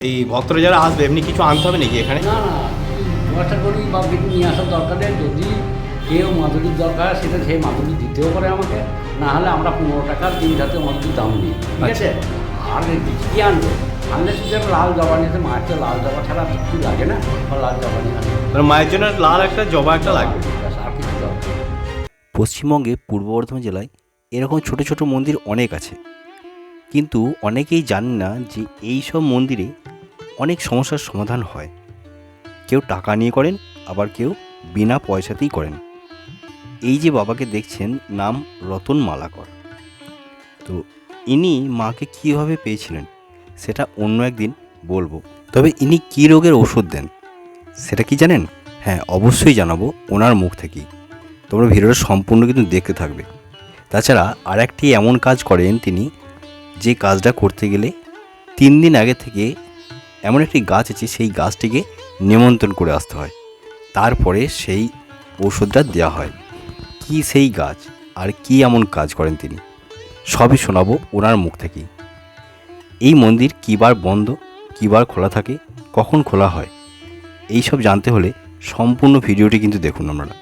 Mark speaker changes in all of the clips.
Speaker 1: এই ভক্তরা যারা আসবে এমনি কিছু আনতে হবে নাকি এখানে?
Speaker 2: না না, ব্যবস্থা করি বা কিছু নিয়ে আসার দরকার নেই। যদি কেউ মাদুরির দরকার সেটা সেই মাদুরি দিতেও পারে আমাকে, না হলে আমরা 15 টাকার 3 হাতে মাদুরির দাম নিই, ঠিক আছে? আর কী আনবে? আনলে শুধু একটা লাল জবা নিতে, মায়ের তো লাল জবা ছাড়া কিছু লাগে না, বা লাল জবা নিয়ে আনবে।
Speaker 1: মানে মায়ের জন্য লাল একটা জবা একটা লাগবে,
Speaker 2: আর কিছু দরকার।
Speaker 3: পশ্চিমবঙ্গে পূর্ব বর্ধমান জেলায় এরকম ছোট ছোট মন্দির অনেক আছে, কিন্তু অনেকেই জানে না যে এই সব মন্দিরে অনেক সমস্যার সমাধান হয়। কেউ টাকা নিয়ে করেন, আবার কেউ বিনা পয়সাতেই করেন। এই যে বাবাকে দেখছেন, নাম রতন মালাকর। তো ইনি মাকে কীভাবে পেয়েছিলেন সেটা অন্য একদিন বলবো। তবে ইনি কী রোগের ওষুধ দেন সেটা কি জানেন? হ্যাঁ, অবশ্যই জানাবো ওনার মুখ থেকেই। তোমরা ভিডিওটা সম্পূর্ণ কিন্তু দেখতে থাকবে। তাছাড়া আর একটি এমন কাজ করেন তিনি, যে কাজটা করতে গেলে 3 দিন আগে থেকে এমন একটি গাছ আছে, সেই গাছটিকে নিমন্ত্রণ করে আসতে হয়, তারপরে সেই ওষুধটা দেওয়া হয়। কি সেই গাছ আর কি এমন কাজ করেন তিনি, সবই শোনাবো ওনার মুখ থেকেই। এই মন্দির কী বার বন্ধ, কী বার খোলা থাকে, কখন খোলা হয়, এই সব জানতে হলে সম্পূর্ণ ভিডিওটি কিন্তু দেখুন আপনারা।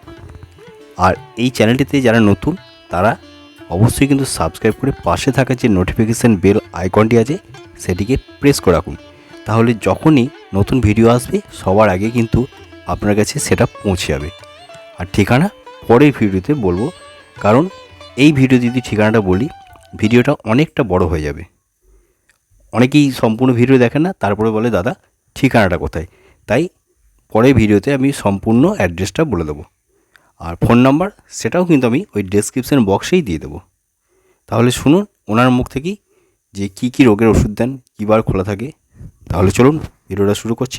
Speaker 3: আর এই চ্যানেলটিতে যারা নতুন তারা অবশ্যই কিন্তু সাবস্ক্রাইব করে পাশে থাকা যে নোটিফিকেশান বেল আইকনটি আছে সেটিকে প্রেস করে রাখুন, তাহলে যখনই নতুন ভিডিও আসবে সবার আগে কিন্তু আপনার কাছে সেটা পৌঁছে যাবে। আর ঠিকানা পরের ভিডিওতে বলবো, কারণ এই ভিডিও যদি ঠিকানাটা বলি ভিডিওটা অনেকটা বড় হয়ে যাবে। অনেকেই সম্পূর্ণ ভিডিও দেখেন না, তারপরে বলে দাদা ঠিকানাটা কোথায়, তাই পরের ভিডিওতে আমি সম্পূর্ণ অ্যাড্রেসটা বলে দেবো। আর ফোন নাম্বার সেটাও কিন্তু আমি ওই ডেসক্রিপশন বক্সেই দিয়ে দেবো। তাহলে শুনুন ওনার মুখ থেকেই যে কী কী রোগের ওষুধ দেন, কী বার খোলা থাকে। তাহলে চলুন ভিডিওটা শুরু করছি।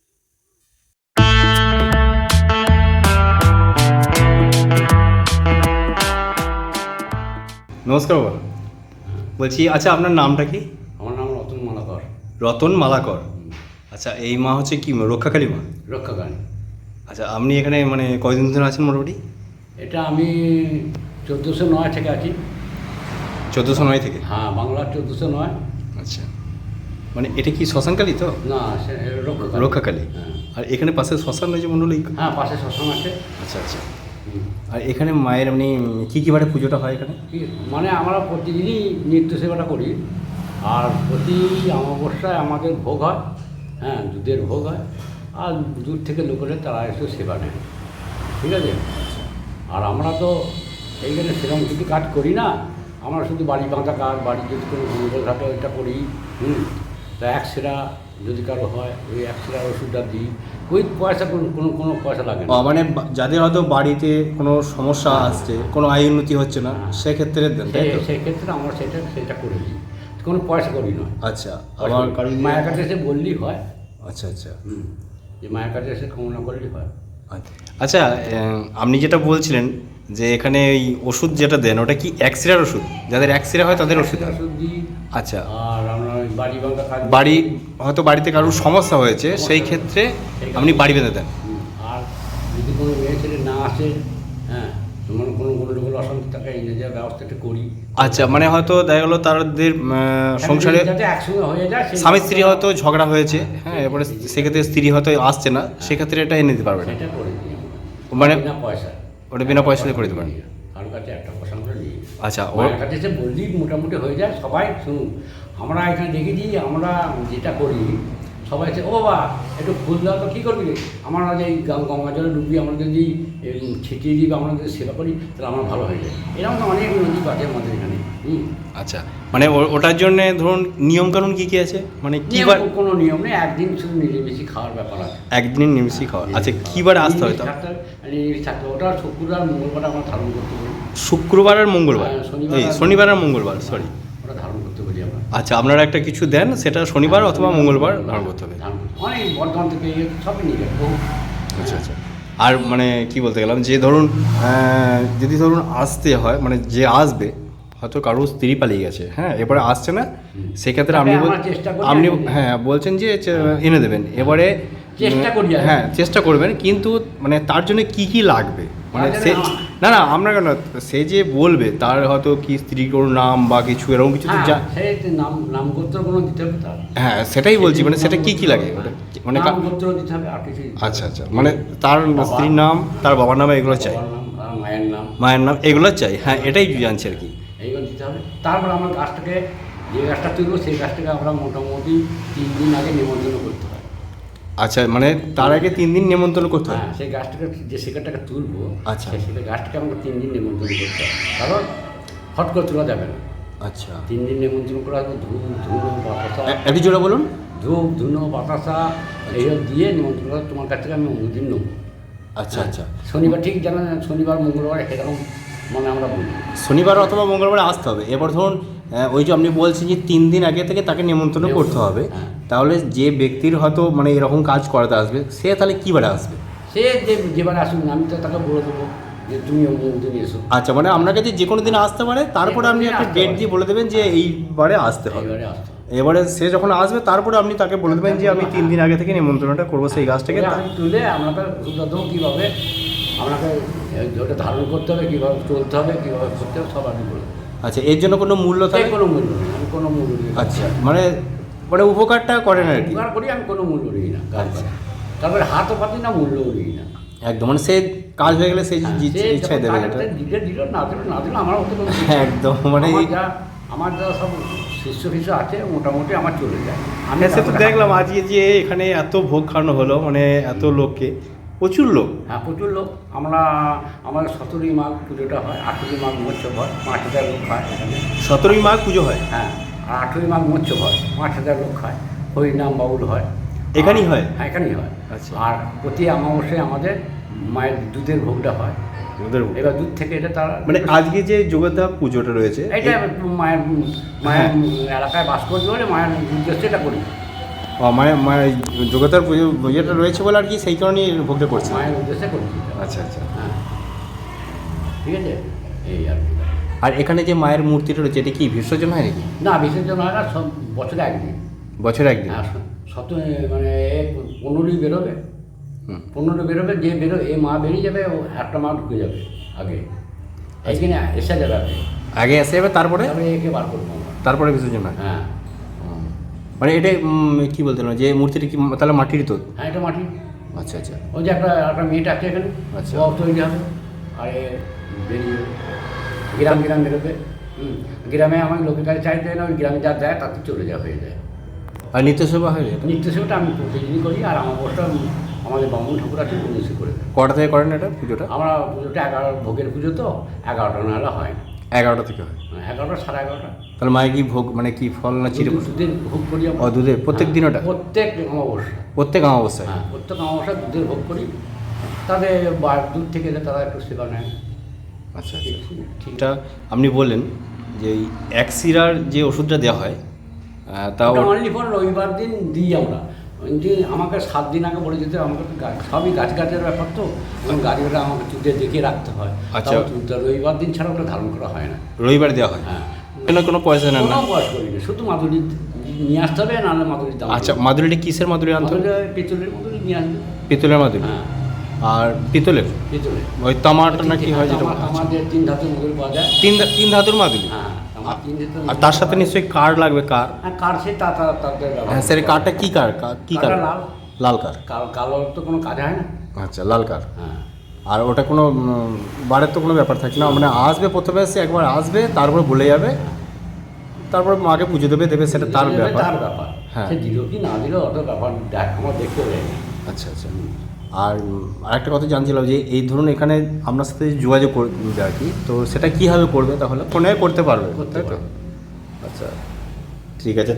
Speaker 1: নমস্কার বাবা, বলছি আচ্ছা আপনার নামটা কি?
Speaker 2: আমার নাম রতন মালাকর।
Speaker 1: রতন মালাকর। আচ্ছা, এই মা হচ্ছে কি রক্ষাকালী মা?
Speaker 2: রক্ষাকালী।
Speaker 1: আচ্ছা, আপনি এখানে মানে কয়দিন ধরে আছেন মোটামুটি?
Speaker 2: এটা আমি 1409 থেকে আছি।
Speaker 1: 1409 থেকে?
Speaker 2: হ্যাঁ, বাংলার 1409।
Speaker 1: আচ্ছা, মানে এটা কি শ্মশানকালী তো?
Speaker 2: না, রক্ষাকালী।
Speaker 1: রক্ষাকালী।
Speaker 2: হ্যাঁ
Speaker 1: আর এখানে পাশে শ্মশান রয়েছে মন্ডলী?
Speaker 2: হ্যাঁ, পাশে শ্মশান আছে।
Speaker 1: আচ্ছা আচ্ছা। আর এখানে মায়ের এমনি কী কী বারে পুজোটা হয় এখানে?
Speaker 2: মানে আমরা প্রতিদিনই নিত্য সেবাটা করি, আর প্রতি অমাবস্যায় আমাদের ভোগ হয়। হ্যাঁ, দুধের ভোগ হয়, আর দূর থেকে লোকেরা তারা এসে সেবা নেয়, ঠিক আছে? আর আমরা তো এইখানে সেরকম কিছু কাজ করি না, আমরা শুধু বাড়ি বাঁধা কাজ, বাড়ি যদি কোনো গন্ডগোল থাকে ওইটা করি। তা একসেরা যদি কারো হয় ওই একসেরার ওষুধটা দিই, ওই পয়সা কোনো পয়সা লাগে না।
Speaker 1: মানে যাদের হয়তো বাড়িতে কোনো সমস্যা আসছে, কোনো আয় উন্নতি হচ্ছে না, সেক্ষেত্রে দেন, তাই তো?
Speaker 2: সেক্ষেত্রে আমরা সেটা করে দিই, কোনো পয়সা করি নয়।
Speaker 1: আচ্ছা, আবার কারণ
Speaker 2: মায়ের কাছে এসে বললেই হয়।
Speaker 1: আচ্ছা আচ্ছা।
Speaker 2: যে মায়ের কাছে এসে কামনা করলেই হয়।
Speaker 1: আচ্ছা, আপনি যেটা বলছিলেন যে এখানে এই ওষুধ যেটা দেন ওটা কি এক্সরের ওষুধ? যাদের এক্সরে হয় তাদের ওষুধ?
Speaker 2: ওষুধ দিই।
Speaker 1: আচ্ছা।
Speaker 2: আর আমরা ওই বাড়ি বাঁধা কাজ,
Speaker 1: বাড়ি হয়তো বাড়িতে কারোর সমস্যা হয়েছে, সেই ক্ষেত্রে আপনি বাড়ি বেঁধে দেন।
Speaker 2: আর যদি কোনো মেয়ে ছেলে না আসে, হ্যাঁ, মানে কোনো লোকের অশান্তি থাকে, এই যে ব্যবস্থাটা করি।
Speaker 1: আচ্ছা, মানে হয়তো দেখা গেলো তাদের সংসারে
Speaker 2: যাতে একসঙ্গে হয়ে যায়,
Speaker 1: স্বামী স্ত্রী হয়তো ঝগড়া হয়েছে, হ্যাঁ, এরপরে সেক্ষেত্রে স্ত্রী হয়তো আসছে না, সেক্ষেত্রে এটা এনে দিতে পারবেন?
Speaker 2: সেটা করে দিই
Speaker 1: মানে
Speaker 2: বিনা পয়সা।
Speaker 1: ওটা বিনা পয়সাতে করে দিতে পারেন?
Speaker 2: কারোর কাছে একটা পয়সা আমরা নিই।
Speaker 1: আচ্ছা,
Speaker 2: ওর কাছে এসে বললেই মোটামুটি হয়ে যায়। সবাই শুনুন, আমরা এখানে দেখেছি, আমরা যেটা করি সবাই এসে, ও বাবা একটু ফুল দাও তো, কী করবি? আমরা যে গঙ্গা জলে ডুবি, আমরা যদি ছিটিয়ে দিই বা আমরা যদি সেবা করি, তাহলে আমরা ভালো হয়ে যায়। এরকম তো অনেক নদী আছে আমাদের এখানে।
Speaker 1: আচ্ছা, মানে ওটার জন্যে ধরুন নিয়মকানুন কী কী আছে? মানে কীবার?
Speaker 2: কোনো নিয়ম নেই, একদিন শুধু নিরামিষই খাওয়ার ব্যাপার আছে।
Speaker 1: একদিন নিরামিষই খাওয়া? আচ্ছা, কীবার আসতে হয়?
Speaker 2: নিরামিষ থাকতে, ওটা শুক্রবার মঙ্গলবার আমরা ধারণ করতে পারি।
Speaker 1: শুক্রবার আর মঙ্গলবার? এই শনিবার আর মঙ্গলবার, সরি,
Speaker 2: ওটা ধারণ করতে পারি আমরা।
Speaker 1: আচ্ছা, আপনারা একটা কিছু দেন, সেটা শনিবার অথবা মঙ্গলবার ধারণ করতে হবে?
Speaker 2: অনেক বর্ধমান থেকে সবই নিয়ে যায়।
Speaker 1: আচ্ছা আচ্ছা। আর মানে কি বলতে গেলাম, যে ধরুন যদি ধরুন আসতে হয়, মানে যে আসবে হয়তো কারোর স্ত্রী পালিয়ে গেছে, হ্যাঁ, এবারে আসছে না, সেক্ষেত্রে আপনি হ্যাঁ বলছেন যে এনে দেবেন, এবারে
Speaker 2: চেষ্টা করি।
Speaker 1: হ্যাঁ, চেষ্টা করবেন, কিন্তু মানে তার জন্য কি কি লাগবে মানে
Speaker 2: আরে
Speaker 1: সে
Speaker 2: না।
Speaker 1: না আমরা কেন, সে যে বলবে তার হয়তো কি স্ত্রী কোনো নাম বা কিছু এরকম কিছু তো
Speaker 2: হ্যাঁ, সেই নাম গোত্র কোনো দিতে হবে তার।
Speaker 1: হ্যাঁ সেটাই বলছি, মানে সেটা কি কি লাগে ওটা মানে
Speaker 2: নাম গোত্র দিতে হবে, আর কিছু
Speaker 1: আচ্ছা আচ্ছা, মানে তার স্ত্রীর নাম, তার বাবার নাম, এগুলো চাই,
Speaker 2: বাবার নাম, আর মায়ের নাম,
Speaker 1: মায়ের নাম, এগুলো চাই, হ্যাঁ এটাই জানছি আর কি।
Speaker 2: এইগুলো দিতে হবে। তারপর আমরা গাছটাকে, যে গাছটা তুলবো সেই গাছটাকে আমরা মোটামুটি 3 দিন আগে নিমন্ত্রণ করতে হয়।
Speaker 1: আচ্ছা, মানে তার আগে 3 দিন নিমন্ত্রণ করতে হয়।
Speaker 2: হ্যাঁ, সেই গাছটাকে, যে শিকারটাকে তুলবো,
Speaker 1: আচ্ছা।
Speaker 2: সেই গাছটাকে আমাকে 3 দিন নিমন্ত্রণ করতে হয়, কারণ হট করে তোলা যাবে না।
Speaker 1: আচ্ছা,
Speaker 2: 3 দিন নিমন্ত্রণ করা হবে, ধূপ ধুনো বাতাসা,
Speaker 1: একটু জোরে বলুন।
Speaker 2: ধূপ ধুনো বাতাসা এইসব দিয়ে নিমন্ত্রণ করা, তোমার কাছ থেকে আমি অনুদিন নেবো।
Speaker 1: আচ্ছা আচ্ছা,
Speaker 2: শনিবার ঠিক জানা, শনিবার মঙ্গলবার এরকম মানে আমরা বলি।
Speaker 1: শনিবার অথবা মঙ্গলবারে আসতে হবে। এবার ধরুন ওই যে আপনি বলছেন যে 3 দিন আগে থেকে তাকে নিমন্ত্রণ করতে হবে,
Speaker 2: হ্যাঁ।
Speaker 1: তাহলে যে ব্যক্তির হয়তো মানে এরকম কাজ করাতে আসবে সে তাহলে কী বারে আসবে?
Speaker 2: সে যেবারে আসুন আমি তো তাকে বলে দেবো যে তুমি অমুক দিন এসো।
Speaker 1: আচ্ছা, মানে আপনার কাছে যে কোনো দিন আসতে পারে, তারপরে আপনি একটা
Speaker 2: আসতে
Speaker 1: ডেট
Speaker 2: পারে।
Speaker 1: দিয়ে বলে দেবেন যে এইবারে আসতে হবে।
Speaker 2: এইবারে আসতে হবে।
Speaker 1: এবারে সে যখন আসবে তারপরে আপনি তাকে বলে দেবেন যে আমি 3 দিন আগে থেকে নিমন্ত্রণটা করবো সেই গাছটাকে।
Speaker 2: ওটা আমি তুলে আপনাকে সুবিধা দেবো কীভাবে আপনাকে ওটা ধারণ করতে হবে, কীভাবে চলতে হবে, কীভাবে করতে হবে, সব আমি বলে দেবো।
Speaker 1: আচ্ছা, এর জন্য কোনো মূল্য
Speaker 2: তাই
Speaker 1: থাকে?
Speaker 2: কোনো মূল্য নেই, আমি কোনো মূল্য নিই না।
Speaker 1: আচ্ছা, মানে মানে উপকারটা করেন আর কি।
Speaker 2: উপকার করি, আমি কোনো মূল্য নিই না গাছ পাতা। তারপরে হাতও পাতি না, মূল্যও নিই না।
Speaker 1: একদম, মানে সে কাজ হয়ে গেলে সে
Speaker 2: হ্যাঁ,
Speaker 1: যে
Speaker 2: সে
Speaker 1: ইচ্ছায়
Speaker 2: যখন
Speaker 1: দেবে
Speaker 2: কাজ
Speaker 1: এটা।
Speaker 2: একটা দিল না দিল আমার হতে কোনো কিছু
Speaker 1: হ্যাঁ,
Speaker 2: নেই।
Speaker 1: একদম, মানে
Speaker 2: আমার যা সব শিষ্য আছে মোটামুটি আমার চলে যায়। আমি
Speaker 1: সে তো
Speaker 2: তারপরে
Speaker 1: দেখলাম আজকে যে এখানে এত ভোগ খাওয়ানো হলো, মানে এত লোককে, প্রচুর লোক।
Speaker 2: হ্যাঁ, প্রচুর লোক। আমাদের 17ই মাঘ পুজোটা হয়, 18ই মাঘ মৎস্যব হয়, 5,000 লোক খায় এখানে।
Speaker 1: 17ই মাঘ পুজো হয়
Speaker 2: হ্যাঁ, আর 18ই মাঘ মৎস্যব হয়, 5,000 লোক খায়, হরিনাম বাউল হয়।
Speaker 1: এখানেই হয়?
Speaker 2: হ্যাঁ, এখানেই হয়।
Speaker 1: আচ্ছা।
Speaker 2: আর প্রতি অমাবস্যায় আমাদের মায়ের দুধের ভোগটা হয়।
Speaker 1: ওদের ভোগ।
Speaker 2: এবার দুধ থেকে এটা তারা
Speaker 1: মানে আজকে যে যোগদা পুজোটা রয়েছে
Speaker 2: এটা মায়ের মায়ের এলাকায় বাস করতে হলে মায়ের উদ্দেশ্যে এটা করি।
Speaker 1: মায়ের মায়ের যোগদার পুজো ইয়েটা রয়েছে বলে আর কি, সেই কারণেই ভোগটা করছে।
Speaker 2: মায়ের উদ্দেশ্যে করছি।
Speaker 1: আচ্ছা আচ্ছা।
Speaker 2: হ্যাঁ, ঠিক আছে, এই আর কি।
Speaker 1: আর এখানে যে মায়ের মূর্তিটা রয়েছে এটা কি বিসর্জন হয় নাকি?
Speaker 2: না, বিসর্জন হয় না, সব বছরে একদিন।
Speaker 1: বছরে একদিন?
Speaker 2: হ্যাঁ, মানে 15ই বেরোবে, 15 বেরোবে, যে এই মা বেরিয়ে যাবে, ও একটা মা ঢুকে যাবে আগে, এইখানে এসে যাবে আগে,
Speaker 1: আগে এসে যাবে, তারপরে
Speaker 2: তারপরে একে বার করবো আমরা।
Speaker 1: তারপরে বিসর্জন হয়?
Speaker 2: হ্যাঁ
Speaker 1: মানে এটা কি বলতে না, যে মূর্তিটা কি তাহলে মাটির তো?
Speaker 2: হ্যাঁ, এটা মাটি।
Speaker 1: আচ্ছা আচ্ছা।
Speaker 2: ওই যে একটা মেয়েটা আছে এখানে,
Speaker 1: আচ্ছা।
Speaker 2: ও তৈরি হবে, আর এ বেরিয়ে যাবে। গ্রাম বেরোবে। গ্রামে আমার লোকের কাছে চাইতে হয় না, ওই গ্রামে যা দেয় তাতে চলে যাওয়া হয়ে যায়।
Speaker 1: আর নিত্য সেবা হয়?
Speaker 2: নিত্য সেবাটা আমি প্রতিদিনই করি, আর আমার বসটা আমাদের বামুন ঠাকুর আছে, উনি সে করে দেয়।
Speaker 1: কটা থেকে করেন এটা পুজোটা?
Speaker 2: আমরা পুজোটা 11 ভোগের পুজো তো 11টা নাহলে হয় না।
Speaker 1: 11টা থেকে হয়?
Speaker 2: 11টা, 11:30।
Speaker 1: তাহলে মায়ের কি ভোগ, মানে কি ফল না চিড়ে?
Speaker 2: দুধের ভোগ করি আমরা।
Speaker 1: ও, দুধের প্রত্যেক দিন ওটা?
Speaker 2: প্রত্যেক অমাবস্যা।
Speaker 1: প্রত্যেক অমাবস্যায়?
Speaker 2: হ্যাঁ, প্রত্যেক অমাবস্যা দুধের ভোগ করি। তাদের দুধ থেকে এলে তারা একটু সেবা নেয়।
Speaker 1: আচ্ছা আচ্ছা।
Speaker 2: ঠিক।
Speaker 1: এটা আপনি বললেন যে এই এক সিরার যে ওষুধটা দেওয়া হয় তাও
Speaker 2: অনলি ফর রবিবার দিন দিই আমরা। যে আমাকে 7 দিন আগে বলে যেতে, আমাকে তো সবই গাছের ব্যাপার তো, এবং গাড়িটা আমাকে চুটে দেখে রাখতে হয়।
Speaker 1: আচ্ছা।
Speaker 2: রবিবার দিন ছাড়া ওটা ধারণ করা হয় না।
Speaker 1: রবিবার দেওয়া হয়?
Speaker 2: হ্যাঁ,
Speaker 1: কোনো পয়সা নেন না?
Speaker 2: কোনো বয়স করি না, শুধু মাদুরি নিয়ে আসতে হবে, নাহলে মাদুরির দাম।
Speaker 1: আচ্ছা, মাদুরিটা কিসের মাদুরি আনতে হবে?
Speaker 2: পেতলের মাদুরি নিয়ে আসবে।
Speaker 1: পিতলের মাদুরি?
Speaker 2: হ্যাঁ,
Speaker 1: আর পিতলের
Speaker 2: পেতলের।
Speaker 1: ওই তামাটা না কি হয় যেটা?
Speaker 2: আমাদের 3 ধাতুর মাদুরি পাওয়া যায়।
Speaker 1: তিন ধাতুর মাদুরি?
Speaker 2: হ্যাঁ, আমার 3 ধাতুর।
Speaker 1: আর তার সাথে নিশ্চয়ই কার লাগবে? কার?
Speaker 2: হ্যাঁ, কার সে তাদের
Speaker 1: হ্যাঁ স্যার, কারটা কি কার? কি কার?
Speaker 2: কারটা লাল।
Speaker 1: লাল কার?
Speaker 2: কালো তো কোনো কাজ হয় না।
Speaker 1: আচ্ছা, লাল কার।
Speaker 2: হ্যাঁ,
Speaker 1: আর ওটা কোনো বারের তো কোনো ব্যাপার থাকে না, মানে আসবে প্রথমে, এসে একবার আসবে, তারপরে বলে যাবে, তারপর মাকে পুজো দেবে, সেটা তার ব্যাপার।
Speaker 2: তার ব্যাপার।
Speaker 1: হ্যাঁ।
Speaker 2: সে দিল কি না দিল অত ব্যাপার আমার দেখতে হবে।
Speaker 1: আচ্ছা আচ্ছা। আর আরেকটা কথা জানছিলাম যে এই ধরুন এখানে আপনার সাথে যোগাযোগ করবে আর কি, তো সেটা কীভাবে করবে? তাহলে ফোনে করতে পারবে, তাই তো? আচ্ছা, ঠিক আছে।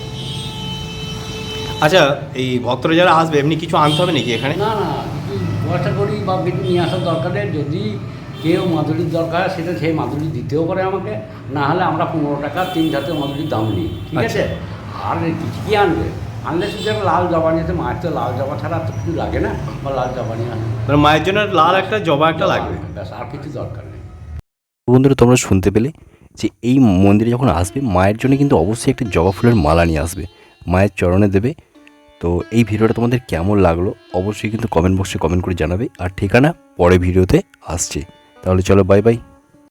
Speaker 1: আচ্ছা, এই ভক্তরা যারা আসবে এমনি কিছু আনতে হবে নাকি এখানে?
Speaker 2: না না, কিছু পয়সা করি বা কিছু নিয়ে আসার দরকার নেই। যদি কেউ মাদুরির দরকার সেটা সেই মাদুরি দিতেও পারে আমাকে, না হলে আমরা 15 টাকা 3 ধাতের মাদুরির দাম নিই, ঠিক আছে? আর কিছু কি আনবে? আনলে শুধু একটা লাল জবা নিতে, মায়ের তো লাল জবা ছাড়া তো কিছু লাগে না, বা লাল জবা নিয়ে আনবে।
Speaker 1: মানে মায়ের জন্য লাল একটা জবা একটা লাগবে,
Speaker 2: ব্যাস, আর কিছু দরকার নেই।
Speaker 3: বন্ধুরা, তোমরা শুনতে পেলে যে এই মন্দিরে যখন আসবে মায়ের জন্য কিন্তু অবশ্যই একটা জবা ফুলের মালা নিয়ে আসবে, মায়ের চরণে দেবে, তো এই ভিডিওটা তোমাদের কেমন লাগলো অবশ্যই কিন্তু কমেন্ট বক্সে কমেন্ট করে জানাবে, আর ঠিকানা পরে ভিডিওতে আসছে। তাহলে চলো, বাই বাই।